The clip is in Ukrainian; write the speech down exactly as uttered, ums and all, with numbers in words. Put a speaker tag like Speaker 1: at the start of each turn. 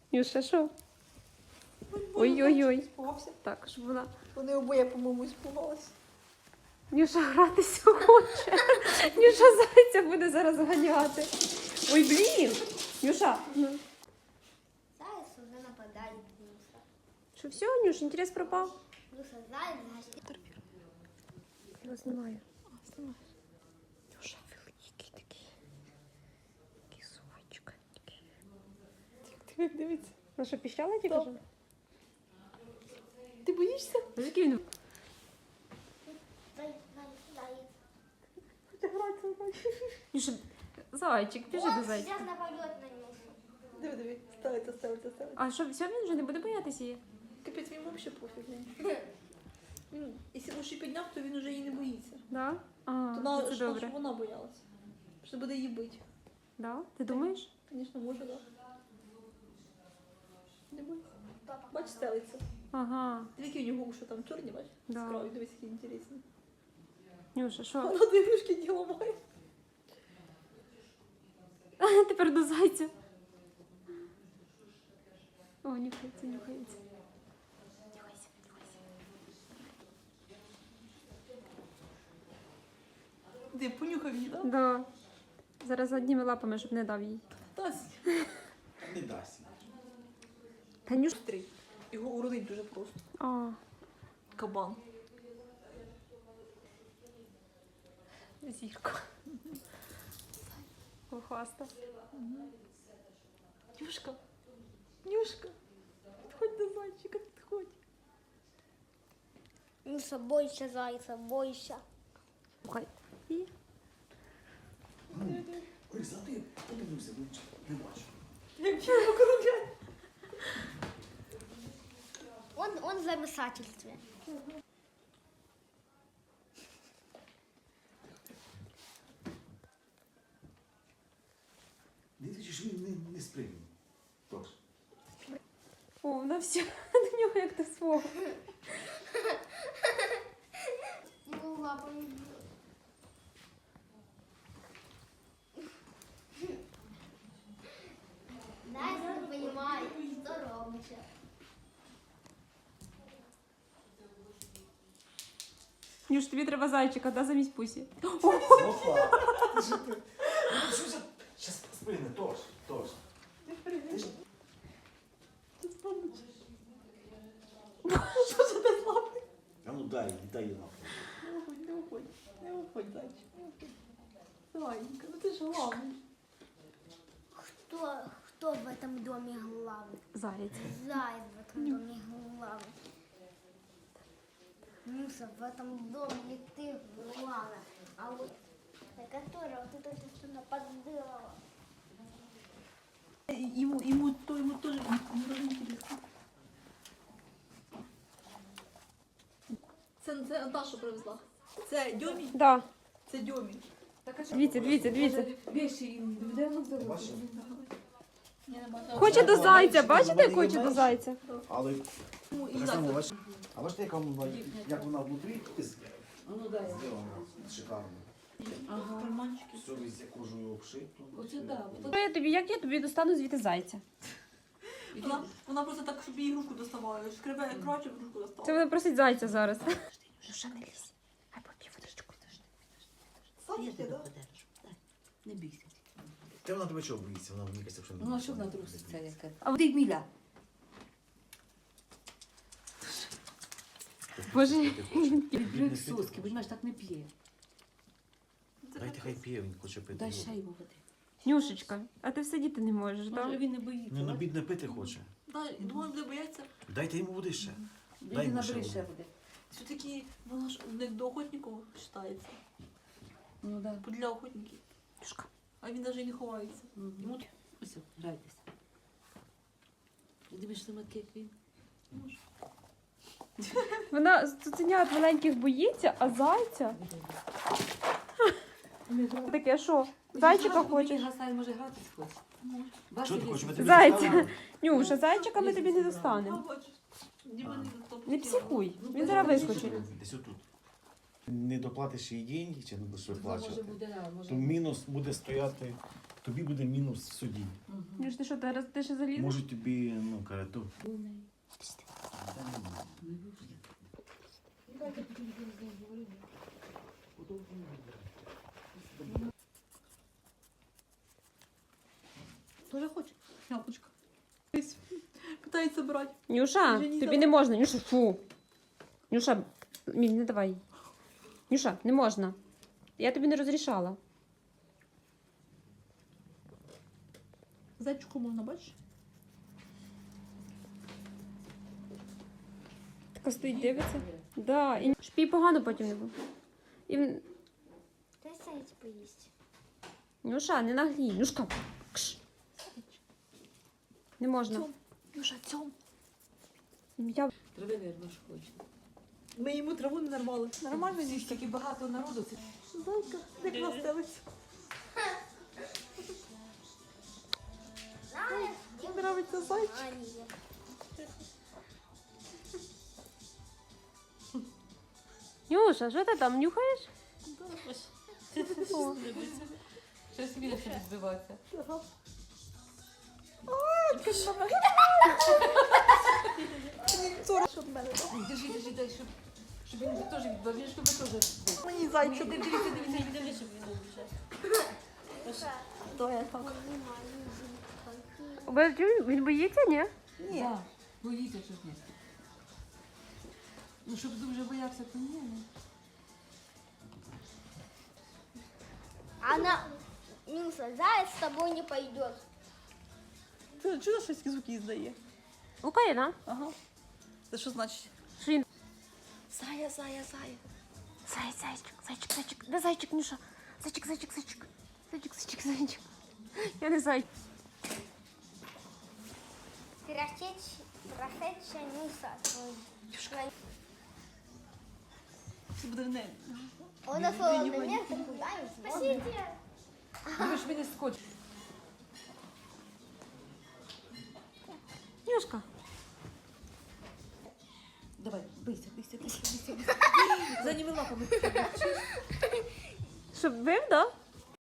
Speaker 1: Нюша, що? Ой-ой-ой. Так, щоб вона...
Speaker 2: Вони обоє, по-моєму, спугалися.
Speaker 1: Нюша гратися хоче. Нюша зайця буде зараз ганяти. Ой, блін. Нюша. Ну.
Speaker 3: Заяц уже нападает Нюша.
Speaker 1: Що, все, Нюш, інтерес пропав?
Speaker 3: Нюша, заяц, значит...
Speaker 1: Я знімаю. Нюша великий такий. Такий зайчик.
Speaker 2: Ти дивіться.
Speaker 1: Ну що, піщала тільки
Speaker 2: Так.
Speaker 1: вже?
Speaker 2: Ти боїшся?
Speaker 1: Ну, який він?
Speaker 3: Заяц, заяц.
Speaker 2: Хоча гратися.
Speaker 1: Нюша, зайчик, біжи до
Speaker 3: Он
Speaker 1: зайчика.
Speaker 3: сейчас нападет на Нюшу.
Speaker 2: Диви, диви. Ставиться, ставиться, ставиться.
Speaker 1: А що, все, він вже не буде боятися її?
Speaker 2: Капець, він взагалі пофіг. Він, якщо лише підняв, то він вже її не боїться.
Speaker 1: Да? А,
Speaker 2: То надо,
Speaker 1: це
Speaker 2: щоб
Speaker 1: добре.
Speaker 2: вона боялася. Що буде її бити.
Speaker 1: Да? Ти думаєш?
Speaker 2: Звісно, може, так. Не бойся. Бач, стелиться.
Speaker 1: Ага.
Speaker 2: Дві у нього уші там чорні, бач?
Speaker 1: Да.
Speaker 2: З кров'ю, дивись, які інтересні.
Speaker 1: Нюша, що?
Speaker 2: Вона дві ігрушки діла має.
Speaker 1: Тепер до зайця. О, нюхається, нюхається. Нюхайся, нюхайся.
Speaker 2: Де, понюхав її, так?
Speaker 1: Да. Зараз одніми лапами, щоб не дав їй.
Speaker 2: Тась.
Speaker 4: Не дасть.
Speaker 1: Та Нюш...
Speaker 2: Три. Його уродить дуже просто.
Speaker 1: А,
Speaker 2: Кабан.
Speaker 1: зірка. Охаста.
Speaker 2: Нюшка. Нюшка. Підходь до зайчика, підходь.
Speaker 3: Нюша, бойся зайца, бойся.
Speaker 1: Слухай. І...
Speaker 4: Лиса, а ти подивився, не бачу.
Speaker 2: Як його округляє.
Speaker 3: Он, он в замешательстве.
Speaker 4: Дивіться, що він не, не сприйняв. Тож.
Speaker 1: О, вона все до нього як до свого.
Speaker 3: Его лапами бьет. Заяц не понимает, что робиться.
Speaker 1: Нюш, тобі треба зайчика, да, замість пусі.
Speaker 4: Опа! Ти що ти? Ну, що за... Щас сприйне, тож, тож. Ти ж...
Speaker 2: Ти спомниш. Що ж ти злапи?
Speaker 4: А ну дай, дай їй лапу.
Speaker 2: Не уходь, не уходь. Не уходь, зайчик. Не уходь. Зайенька, ну ти ж главний.
Speaker 3: Кто, кто в этом доме главный?
Speaker 1: Заяць.
Speaker 3: Заяц в этом доме главный. Нюша, в этом доме не ты главная, а вот на которого ты только что нападала.
Speaker 2: Ему, ему, то, ему тоже не дуже інтересно. Це, це Даша привезла. Це Дьомі?
Speaker 1: Да.
Speaker 2: Це Дьомі.
Speaker 1: Дивіться, дивіться, дивіться.
Speaker 4: Бачиш?
Speaker 2: Я не бачу.
Speaker 1: Хоче до зайця, бачите, як хоче до зайця?
Speaker 4: Але...
Speaker 2: Ну, і
Speaker 4: Так
Speaker 2: зайця.
Speaker 4: само, бачиш? А бачите, як вона, як вона внутрі
Speaker 5: Ну да.
Speaker 4: зроблена? Шикарно.
Speaker 5: Ага.
Speaker 2: Карманчики.
Speaker 4: Все везде кожею обшито.
Speaker 5: Оце да.
Speaker 1: Що я тобі, як я тобі достану звідти зайця?
Speaker 2: Вона, вона просто так собі ігрушку доставала. Шкребе краще ігрушку
Speaker 1: Це
Speaker 2: доставала.
Speaker 1: вона просить зайця зараз. Нюша, не лізь. Хай поп'є водичку.
Speaker 2: Садики, да?
Speaker 5: Не бійся.
Speaker 4: Та вона тебе чого боїться? Вона мені кажеться, що не
Speaker 5: Ну а що
Speaker 4: боїться.
Speaker 5: вона труситься яка? А ти Міля?
Speaker 1: Боже.
Speaker 5: Відбрик соски, бо так не п'є.
Speaker 4: Дайте хай п'є, він хоче пити.
Speaker 5: Дай ще йому води.
Speaker 1: Нюшечка, а ти сидіти не можеш,
Speaker 5: Може
Speaker 1: так?
Speaker 5: він не боїться.
Speaker 4: Ну, на бідне пити хоче.
Speaker 2: Да, думаю, буде бояться.
Speaker 4: Дайте йому води ще. Дай
Speaker 5: Він
Speaker 4: йому ще
Speaker 5: набери ще
Speaker 4: води.
Speaker 5: води.
Speaker 2: Все-таки вона ж не до охотників вважається.
Speaker 5: Ну да.
Speaker 2: Для охотників.
Speaker 1: Нюшка.
Speaker 2: А він навіть і не ховається.
Speaker 5: Йому ось, грайтеся. Дивишся матки, як він.
Speaker 1: Вона цуценят маленьких боїться, а зайця? Таке що? Зайчика хочеш?
Speaker 5: Гасай, може гратись хоче. Бачиш,
Speaker 4: Чого ти
Speaker 5: є-
Speaker 4: хочеш? Ми тобі
Speaker 1: Зайця.
Speaker 4: доставимо?
Speaker 1: Нюша, зайчика ми тобі не
Speaker 2: А,
Speaker 1: достанемо.
Speaker 2: бачиш. Діма не достав.
Speaker 1: Не психуй, він зараз вискочить.
Speaker 4: Десь отут. Не доплатиш їй деньги, чи не будеш
Speaker 5: Може
Speaker 4: виплачувати,
Speaker 5: буде, а, може
Speaker 4: то мінус буде стояти, тобі буде мінус в суді.
Speaker 1: Нюш, ти що, ти, ти ще залізеш?
Speaker 4: Може тобі, ну, карату.
Speaker 2: Тоже хоче? Яблучко. Десь питається брати.
Speaker 1: Нюша,
Speaker 2: Вже не
Speaker 1: тобі
Speaker 2: дала.
Speaker 1: не можна. Нюша, фу. Нюша, Міль, не давай. Нюша, не можна. Я тобі не розрішала.
Speaker 2: Зайчику можна, бачиш?
Speaker 1: Така стоїть, дивиться. Да, і щоб їй погано потім не було. І... в-
Speaker 3: Дай заяць поїсть.
Speaker 1: Нюша, не наглій. Нюшка. Кш. Не можна.
Speaker 2: Цьом. Юша, цьом.
Speaker 1: Я...
Speaker 5: Трави вірно, що хоче.
Speaker 2: Ми йому траву не нарвали. Нормально
Speaker 5: Всі ж
Speaker 2: їсти.
Speaker 5: таки багато народу. Це
Speaker 2: Зайка, як настелиться.
Speaker 3: Знаєш,
Speaker 2: Їм нравиться зайчик.
Speaker 3: А, ні.
Speaker 1: Нюша, що ти там нюхаєш?
Speaker 5: щось більше відбиватися.
Speaker 2: Ага. А, ти що мене? Щоб мене, да?
Speaker 5: Держи, держи, дай, щоб, щоб він теж відбив, він щоб теж відбив.
Speaker 2: Мені зайчик.
Speaker 5: Дивіться, дивіться, дивіться, щоб він не біжав.
Speaker 2: То я так.
Speaker 1: Він боїться, ні?
Speaker 2: Ні.
Speaker 5: Так, боїться щось не. Ну, щоб дуже боявся, то ні. ну.
Speaker 3: Она, Нюша, заяц с тобой не пойдет.
Speaker 2: Ти чудо щось звуки здає?
Speaker 1: Україна.
Speaker 2: Ага. Це що значить?
Speaker 1: Що він?
Speaker 2: Зая, зая, зая.
Speaker 1: Зай, зайчик, зайчик, зайчик. Де зайчик, Нюша? Зайчик, зайчик, зайчик. Зайчик, зайчик, зайчик. Я не зайчик.
Speaker 3: Прошедшая, прошедшая Нюша. Ой.
Speaker 2: Це буде не.
Speaker 3: Он на свой момент куда не сможет.
Speaker 5: Дивиш, він не скочить.
Speaker 1: Нюшка.
Speaker 2: Давай, бийся, бийся, бийся, бийся. За ними лапами.
Speaker 1: Щоб бив, да?